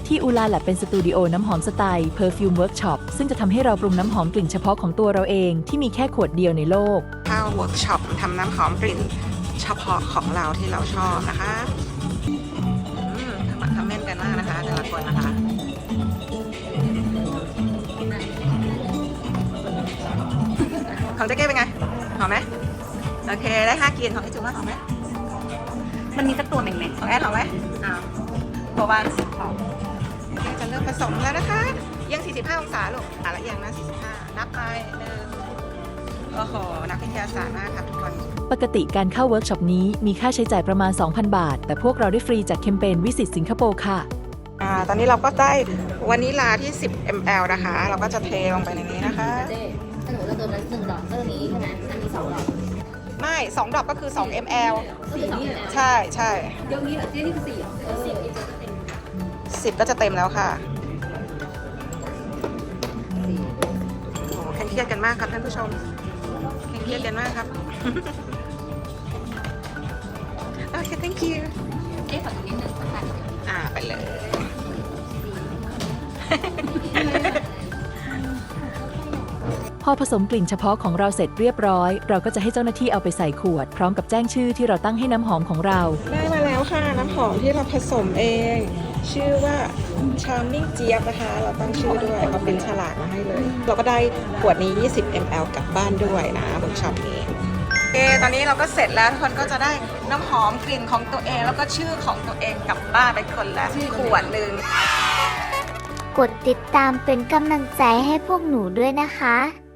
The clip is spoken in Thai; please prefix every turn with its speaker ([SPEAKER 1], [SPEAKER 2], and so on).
[SPEAKER 1] ที่อูลาแลบเป็นสตูดิโอน้ำหอมสไตล์ Perfume Workshop ซึ่งจะทำให้เราปรุงน้ำหอมกลิ่นเฉพาะของตัวเราเองที่มีแค่ขวดเดียวในโลก
[SPEAKER 2] เข้าเวิร์กช็อปทำน้ำหอมกลิ่นเฉพาะของเราที่เราชอบนะคะทำเม่นกันมากนะคะแต่ละคนนะคะของเจ๊เก้เป็นไงหอมไหมโอเคได้5กลิ่นของไอ้จุ๊ว่าหอมไหม
[SPEAKER 3] มันมีสักตัวหนึ่งไหม
[SPEAKER 2] ของแอนหอมไหมตัววันหอมจะเริ่มผสมแล้วนะคะยัง45องศาลูกละยังนะ45นับไป1โอ้โหนักวิทยาศาสตร์มากค่ะทุกคน
[SPEAKER 1] ปกติการเข้าเวิร์กช็อปนี้มีค่าใช้จ่ายประมาณ 2,000 บาทแต่พวกเราได้ฟรีจากแคมเปญวิสิตสิงคโปร์ค่ะ
[SPEAKER 2] ตอนนี้เราก็ได้วานิลาที่10 ml นะคะเราก็จะเทลงไปในนี้นะคะ
[SPEAKER 3] ถ้าหนูจะเติมนั้น1 ดอกก็นี้ใช่ไหมอันนี้2 ดอก
[SPEAKER 2] ไม่2 ดอกก็คือ2 ml ใช่
[SPEAKER 3] เดี๋ยวนี้เหรอนี่คือ4
[SPEAKER 2] 10ก็จะเต็มแล้วค่ะโอ้เครียดกันมากครับท่านผู้ชมเครียดกันมากครับโอเค thank you
[SPEAKER 3] ขอตรงนี้1ค่ะ
[SPEAKER 2] ไปเลย
[SPEAKER 1] พอผสมกลิ่นเฉพาะของเราเสร็จเรียบร้อยเราก็จะให้เจ้าหน้าที่เอาไปใส่ขวดพร้อมกับแจ้งชื่อที่เราตั้งให้น้ำหอมของเรา
[SPEAKER 2] ได้มาแล้วค่ะน้ำหอมที่เราผสมเองชื่อว่า Charming เจี๊ยบนะคะเราตั้งชื่อด้วยเขาเป็นฉลากมาให้เลยเราก็ได้ขวดนี้20 ml กลับบ้านด้วยนะเวิร์กช็อปนี้โอเคตอนนี้เราก็เสร็จแล้วทุกคนก็จะได้น้ำหอมกลิ่นของตัวเองแล้วก็ชื่อของตัวเองกลับบ้านไปคนละขวดหนึ่ง
[SPEAKER 4] กดติดตามเป็นกำลังใจให้พวกหนูด้วยนะคะ